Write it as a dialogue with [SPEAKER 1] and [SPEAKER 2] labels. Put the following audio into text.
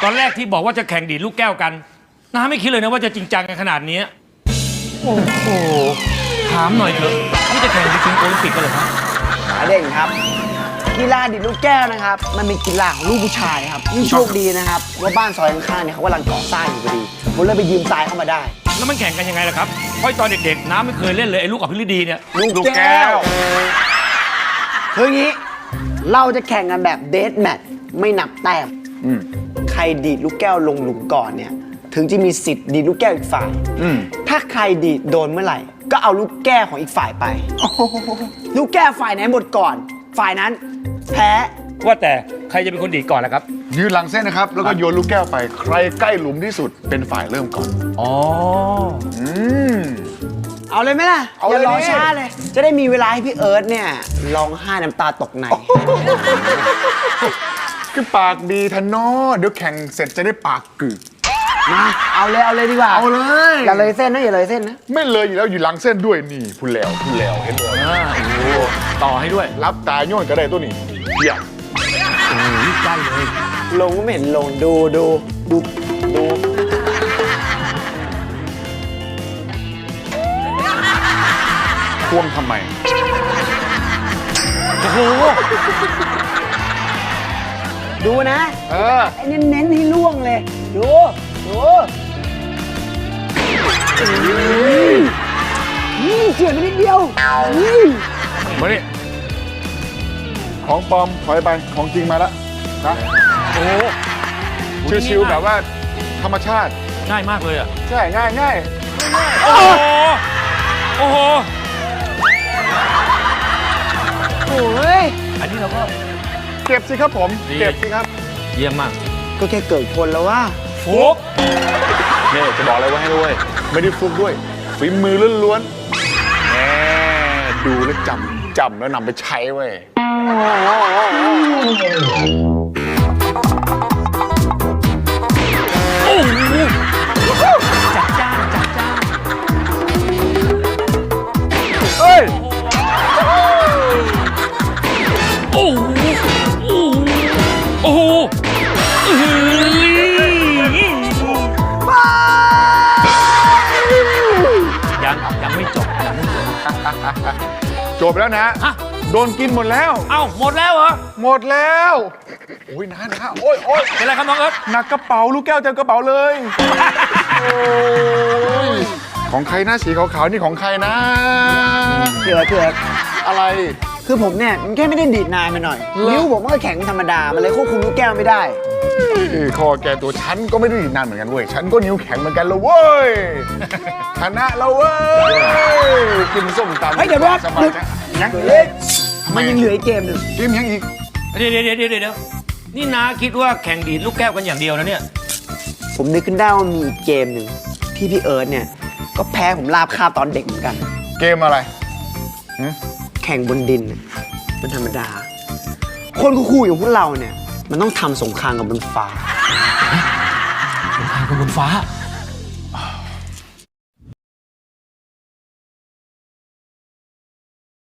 [SPEAKER 1] ตอนแรกที่บอกว่าจะแข่งดีดลูกแก้วกันน้าไม่คิดเลยนะว่าจะจริงจังกันขนาดนี้โอ้โหถามหน่อยเถอะนี่จะแข่งไปถึงโอลิมปิกกันเหรอครับ
[SPEAKER 2] เด่นครับกีฬาดีดลูกแก้วนะครับมันเป็นกีฬาของลูกผู้ชายครับนี่โชคดีนะครับว่าบ้านซอยข้างๆเนี่ยเขากำลังก่อสร้างอยู่พอดีผมเลยไปยืมทรายเข้ามาได้
[SPEAKER 1] แล้วมันแข่งกันยังไงล่ะครับเพราะตอนเด็กๆน้าไม่เคยเล่นเลยไอ้ลูกอภิรดีเนี่ย
[SPEAKER 2] ลูกแก้วคืออย่างนี้เราจะแข่งกันแบบเดทแมทไม่นับแต้มใครดีดลูกแก้วลงหลุมก่อนเนี่ยถึงจะมีสิทธิ์ดีดลูกแก้วอีกฝ่ายถ้าใครดีดโดนเมื่อไหร่ก็เอาลูกแก้วของอีกฝ่ายไปลูกแก้วฝ่ายไหนหมดก่อนฝ่ายนั้นแพ้
[SPEAKER 1] ว่าแต่ใครจะเป็นคนดีดก่อนล่ะครับ
[SPEAKER 3] ยืนหลังเส้นนะครับแล้วก็โยนลูกแก้วไปใครใกล้หลุมที่สุดเป็นฝ่ายเริ่มก่อน
[SPEAKER 1] อ๋อ
[SPEAKER 2] เอาเลยไหมล่ะอย่ารอช้าเลยจะได้มีเวลาให้พี่เอิร์ธเนี่ยร้องไห้น้ำตาตกใน
[SPEAKER 3] คือปากดีทันนอเดี๋ยวแข่งเสร็จจะได้ปากกึก
[SPEAKER 2] มาเอาเลยดีกว่า
[SPEAKER 3] เอาเลย
[SPEAKER 2] อย่าเลยเส้นนะอย่าเลยเส้นนะ
[SPEAKER 3] ไม่เลยอยู่แล้วอยู่หลังเส้นด้วยนี่พูดแล้วเห็นเลย
[SPEAKER 1] โอ้ต่อให้ด้วย
[SPEAKER 3] รับตาโยนก็ได้ตัวนี้เยี่ยม
[SPEAKER 1] โอ้ยใกล้เลย
[SPEAKER 2] ลงก็ไม่เห็นลงดู
[SPEAKER 3] ท่วงทำไม
[SPEAKER 1] โอ้โห
[SPEAKER 2] ดูนะไอ้เน้นให้ล่วงเลยดูนี่เฉียดไปนิดเดียว
[SPEAKER 3] มาดิของปลอมถอยไปของจริงมาแล้วนะ
[SPEAKER 1] โอ้
[SPEAKER 3] ชิวๆแบบว่าธรรมชาติ
[SPEAKER 1] ง่ายมากเลยอ่ะ
[SPEAKER 3] ใช่ง่าย
[SPEAKER 1] โอ้โห
[SPEAKER 2] โอ้ย
[SPEAKER 1] อันนี้เราก็
[SPEAKER 3] เก็บสิครับผมเก็บสิครับ
[SPEAKER 1] เยี่ยมมาก
[SPEAKER 2] ก็แค่เกิดคนแล้วว่า
[SPEAKER 1] ฟุก
[SPEAKER 3] นี่จะบอกอะไรไว้ให้ด้วยไม่ได้ฟุกด้วยฝีมือล้วนๆแหมดูแล้วจำแล้วนำไปใช้เว้ย
[SPEAKER 1] จัดจ้าน
[SPEAKER 3] เฮ้ย
[SPEAKER 1] โอ้โหยังไม่จบ
[SPEAKER 3] จบแล้วนะโดนกินหมดแล้ว
[SPEAKER 1] เอ้าหมดแล้วเหรอ
[SPEAKER 3] หมดแล้วโอ้ยนะโอ้ย
[SPEAKER 1] เป็นไรครับน้องเอิร์ธ
[SPEAKER 3] หนักกระเป๋าลูกแก้วเต็มกระเป๋าเลยของใครนะสีขาวๆนี่ของใครนะ
[SPEAKER 2] เถื่อ
[SPEAKER 3] อะไร
[SPEAKER 2] คือผมเนี่ยมันแค่ไม่ได้ดีดนายมาหน่อยนิ้วผมมันก็แข็งธรรมดามันเลยควบคุมลูกแก้วไม่ได้
[SPEAKER 3] คอแกตัวฉันก็ไม่ได้ดีดนานเหมือนกันเว้ยฉันก็นิ้วแข็งเหมือนกันเลยเว้ยชนะแล้วเว้ยกินส้มตำ
[SPEAKER 2] เฮ้ยเดี๋ยว
[SPEAKER 3] สบายยัง
[SPEAKER 2] มันยังเหลืออีกเกมหนึ่ง
[SPEAKER 3] เกมยังอีก
[SPEAKER 1] เดี๋ยวนี่นาคิดว่าแข่งดีดลูกแก้วกันอย่างเดียวนะเนี่ย
[SPEAKER 2] ผมนึกขึ้นได้ว่ามีอีกเกมหนึ่งที่พี่เอิร์ธเนี่ยก็แพ้ผมลาบคาบตอนเด็กเหมือนกัน
[SPEAKER 3] เกมอะไร
[SPEAKER 2] แข่งบนดินเป็นธรรมดาคนคู่อย่างพวกเราเนี่ยมันต้องทำสงครามกับบนฟ้า
[SPEAKER 1] สงครามกับบนฟ้า